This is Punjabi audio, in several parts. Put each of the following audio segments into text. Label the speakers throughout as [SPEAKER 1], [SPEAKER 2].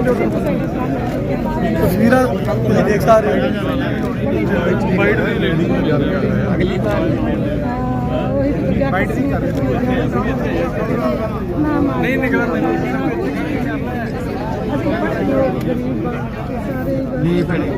[SPEAKER 1] तस्वीर देख सकते अगली बार नहीं निकला नहीं पड़े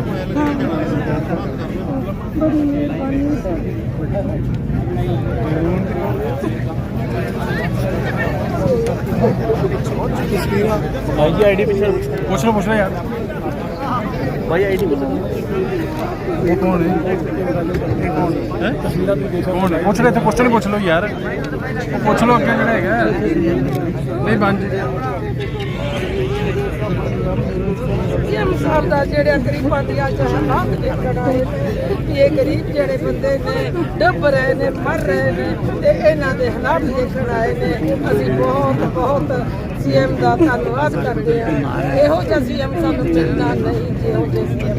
[SPEAKER 1] भाई आईडी पीछे पूछ लो यार भाई आईडी बता ये कौन है कौन है पूछ रहे थे क्वेश्चन पूछ लो यार पूछ लो अगे जड़ा है नहीं बन
[SPEAKER 2] साहब का जेड़े गरीबां दी अज हालात देखण आए ये गरीब जेड़े बंदे ने डुब रहे ने मर रहे ने ते इन्हां दे हालात देखण आए ने असीं बहुत बहुत सीएम का धन्यवाद करते हैं इहो जिहा सीएम सानू मिलना नहीं जिहो जिहा सीएम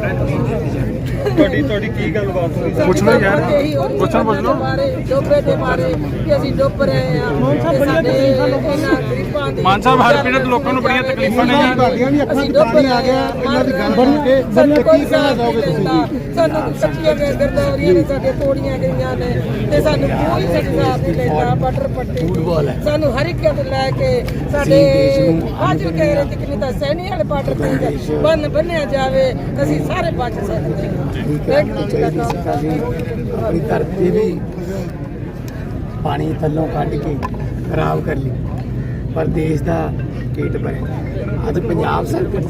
[SPEAKER 1] ਤੁਹਾਡੀ ਕੀ ਗੱਲਬਾਤ ਹੋਈ ਪੁੱਛ ਲਓ ਯਾਰ ਪੁੱਛੋ ਬਾਰੇ
[SPEAKER 2] ਡੋਬੇ ਦੇ ਬਾਰੇ ਕਿ ਅਸੀਂ ਡੁੱਬ ਰਹੇ ਹਾਂ ਸਾਡੇ ਇਹਨਾਂ ਗਰੀਬਾਂ ਦੇ
[SPEAKER 1] ਮਾਨ ਸਾਹਿਬ ਹਰ ਪੀੜਤ ਲੋਕਾਂ ਨੂੰ ਬੜੀਆਂ ਤਕਲੀਫਾਂ ਨੇ
[SPEAKER 3] ਤੁਹਾਡੀਆਂ ਵੀ ਅੱਖਾਂ 'ਚ ਪਾਣੀ ਆ ਗਿਆ ਇਹਨਾਂ ਦੀ ਗੱਲ ਸੁਣ ਕੇ ਕੀ ਕਹਿਣਾ ਚਾਹੋਗੇ ਤੁਸੀਂ
[SPEAKER 2] ਸਾਨੂੰ ਕੱਚੀਆਂ ਗਰਦੌਰੀਆਂ ਨੇ ਸਾਡੇ ਤੋੜੀਆਂ ਗਈਆਂ ਨੇ ਤੇ ਸਾਨੂੰ ਕੋਈ ਸਰਕਾਰ ਨਹੀਂ ਲੈਂਦਾ ਬਟਰ ਪੱਟੀ ਸਾਨੂੰ ਹਰ ਇੱਕ ਤੋਂ ਲੈ ਕੇ ਸਾਡੇ ਹਾਜ਼ਰ ਕਹਿ ਰਹੇ ਕਿ ਨਹੀਂ ਤਾਂ ਸੈਣੀ ਵਾਲੇ ਬਾਰਡਰ ਤੇ ਬੰਨ ਬੰਨਿਆ ਜਾਵੇ ਅਸੀਂ ਸਾਰੇ ਬਚ ਸਕਦੇ ਹਾਂ
[SPEAKER 3] अपनी धरती भी पानी थलों कट के खराब कर ली पर देश का ढिड भरे अज पंजाब सरकार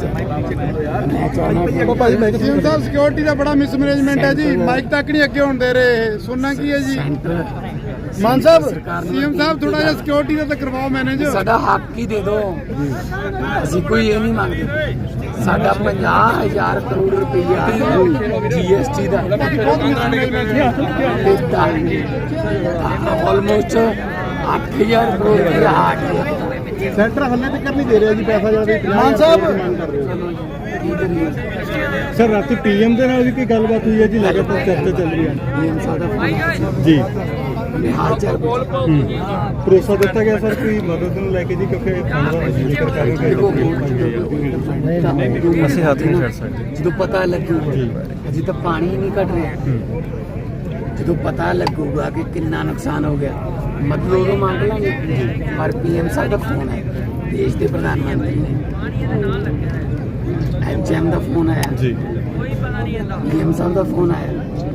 [SPEAKER 4] सिक्योरिटी का बड़ा मिसमैनेजमेंट है जी माइक तक नहीं अगे होने दे रहे सुनना की है जी मान साहब सीएम साहब थोड़ा जिहा सिक्योरिटी का तो करवाओ मैनेज
[SPEAKER 3] साडा हक ही दे दो असीं कोई ये नहीं मंगते साडा 50,000 करोड़ रुपया जीएसटी का ऑलमोस्ट 8,000 करोड़ रुपया हाट
[SPEAKER 4] सेंटर हल्ले तक नहीं दे रहा जी पैसा ज्यादा मान साहब सर रात पीएम के नाल भी कोई गलबात हुई है जी लगातार चर्चा चल रही है
[SPEAKER 3] पीएम साहब
[SPEAKER 4] जी
[SPEAKER 3] हाल चाल
[SPEAKER 4] भरोसा दिता गया सर कोई मदद ਨੂੰ ਲੈ ਕੇ ਜੀ ਕਿਉਂਕਿ
[SPEAKER 1] ਅਸੀਂ ਹੱਥ ਨਹੀਂ ਛੱਡ ਸਕਦੇ
[SPEAKER 3] ਜਦੋਂ ਪਤਾ ਲੱਗੂਗਾ ਅਜੇ ਤਾਂ ਪਾਣੀ ਨਹੀਂ ਘਟ ਰਿਹਾ ਜਦੋਂ ਪਤਾ ਲੱਗੂਗਾ ਕਿ ਕਿੰਨਾ ਨੁਕਸਾਨ ਹੋ ਗਿਆ ਮਦਦ ਉਦੋਂ ਮੰਗ ਲਾਂਗੇ ਪਰ ਪੀਐਮ ਸਾਹਿਬ ਦਾ ਫੋਨ ਹੈ ਦੇਸ਼ ਦੇ ਪ੍ਰਧਾਨ ਮੰਤਰੀ ਨੇ ਐਮਐਮ ਦਾ ਫੋਨ ਆਇਆ
[SPEAKER 1] ਜੀ
[SPEAKER 3] ਪੀਐਮ ਸਾਹਿਬ ਦਾ ਫੋਨ ਆਇਆ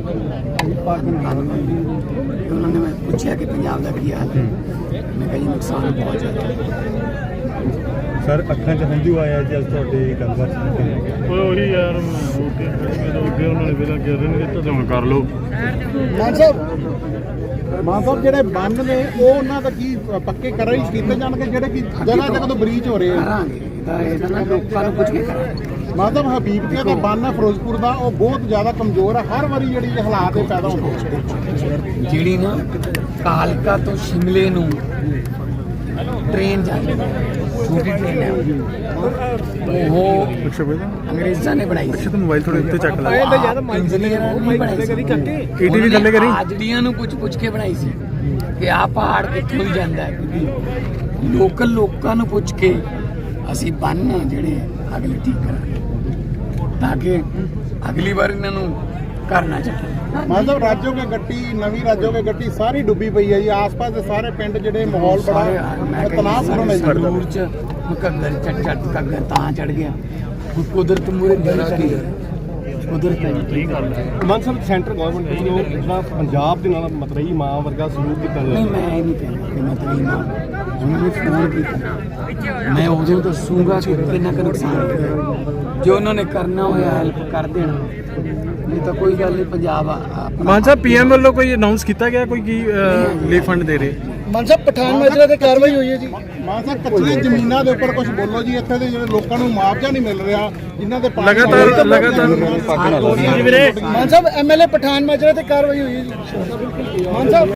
[SPEAKER 3] उन्होंने मैं पूछा कि पंजाब का की हाल है मैं कहीं नुकसान बहुत ज़्यादा
[SPEAKER 4] सर अखा च हंझू आया जी अज तुहाडी गलबात सुन के
[SPEAKER 1] ਉਹੀ ਯਾਰ ਅੱਗੇ ਉਹਨਾਂ ਨੇ ਵੇਲਾ ਕਰ ਰਹੇ ਨੇ ਤਾਂ ਹੁਣ ਕਰ ਲਓ
[SPEAKER 4] ਮਾਨ ਸਾਹਿਬ ਜਿਹੜੇ ਬੰਨ ਨੇ ਉਹ ਉਹਨਾਂ ਦਾ ਕੀ ਪੱਕੇ ਕਰਾਂ ਹੀ ਕੀਤੇ ਜਾਣਗੇ ਜਿਹੜੇ ਕਿ ਜਗ੍ਹਾ ਜਗ੍ਹਾ ਤੋਂ ਬਰੀਚ ਹੋ ਰਹੇ ਆ
[SPEAKER 3] करांगे ਇਹਦਾ ਨਾ ਲੋਕਾਂ ਨੂੰ ਪੁੱਛ ਕੇ ਕਰਾਂਗੇ
[SPEAKER 4] मतलब हबीबतिया का बन है फिरोजपुर का वो बहुत ज़्यादा कमजोर है हर बारी जी हालात पैदा होते
[SPEAKER 3] ਜਿਹੜੀ ਨਾ ਕਾਲਕਾ ਤੋਂ ਸ਼ਿਮਲੇ ਨੂੰ ਟ੍ਰੇਨ ਜਾਂਦੀ ਹੈ ਛੋਟੀ ਟ੍ਰੇਨ ਹੈ ਉਹ ਅੰਗਰੇਜ਼ਾਂ ਨੇ ਬਣਾਈ ਸੀ
[SPEAKER 1] ਮੋਬਾਈਲ ਥੋੜੇ ਉੱਤੇ ਚੱਕ ਲੈ
[SPEAKER 3] ਇੰਜੀਨੀਅਰਾਂ ਨੇ ਬਣਾਈ ਸੀ
[SPEAKER 1] ਈਟੀ ਵੀ ਥੱਲੇ ਕਰੀ
[SPEAKER 3] ਆਜੜੀਆਂ ਨੂੰ ਪੁੱਛ ਕੇ ਬਣਾਈ ਸੀ ਕਿ ਆਹ ਪਹਾੜ ਕਿੱਥੋਂ ਹੀ ਜਾਂਦਾ ਹੈ ਕਿਉਂਕਿ ਲੋਕਲ ਲੋਕਾਂ ਨੂੰ ਪੁੱਛ ਕੇ ਅਸੀਂ ਬੰਨ ਜਿਹੜੇ ਅਗਲੇ ਠੀਕ ਕਰਾਂਗੇ ਤਾਂ ਕਿ ਅਗਲੀ ਵਾਰ ਇਹਨਾਂ ਨੂੰ करना चाहिए
[SPEAKER 4] मतलब राज्यों के गट्टी नवी राज्यों के गट्टी सारी डुबी पई है जी आस-पास के सारे पिंड जेडे माहौल बड़ा तनावपूर्ण है
[SPEAKER 3] दूर च घग्गर घग्गर तां चढ़ गया कुदरत मूरे की कुदरत
[SPEAKER 4] मान साहब सेंटर गवर्नमेंट ਵੱਲੋਂ ਜਿਹੜਾ ਪੰਜਾਬ ਦੇ ਨਾਲ ਮਤਰਈ ਮਾਂ ਵਰਗਾ ਸਲੂਕ ਕੀਤਾ
[SPEAKER 3] नहीं मैं नहीं कहना कि मतरई मां उन्होंने फोन किया मैं उदों दसूंगा कि कितना का नुकसान जो उन्होंने करना होया हेल्प कर देना नहीं तो कोई गल नहीं पंजाब
[SPEAKER 1] ਮਾਨ ਸਾਹਿਬ ਪੀਐਮ ਵੱਲੋਂ ਕੋਈ ਅਨਾਉਂਸ ਕੀਤਾ ਗਿਆ ਕੋਈ ਕੀ ਰਿਲੀਫ ਫੰਡ ਦੇ ਰਹੇ
[SPEAKER 4] ਮਾਨ ਸਾਹਿਬ ਪਠਾਨ ਮਾਜਰਾ ਤੇ ਕਾਰਵਾਈ ਹੋਈ ਹੈ ਜੀ ਮਾਨ ਸਾਹਿਬ ਕੱਚੀਆਂ ਜ਼ਮੀਨਾਂ ਦੇ ਉੱਪਰ ਕੁਝ ਬੋਲੋ ਜੀ ਇੱਥੇ ਦੇ ਜਿਹੜੇ ਲੋਕਾਂ ਨੂੰ ਮੁਆਵਜ਼ਾ ਨਹੀਂ ਮਿਲ ਰਿਹਾ ਜਿਨ੍ਹਾਂ ਦੇ
[SPEAKER 1] ਲਗਾਤਾਰ
[SPEAKER 4] ਮਾਨ ਸਾਹਿਬ ਐਮਐਲਏ ਪਠਾਨ ਮਾਜਰਾ ਤੇ ਕਾਰਵਾਈ ਹੋਈ ਹੈ ਜੀ ਮਾਨ ਸਾਹਿਬ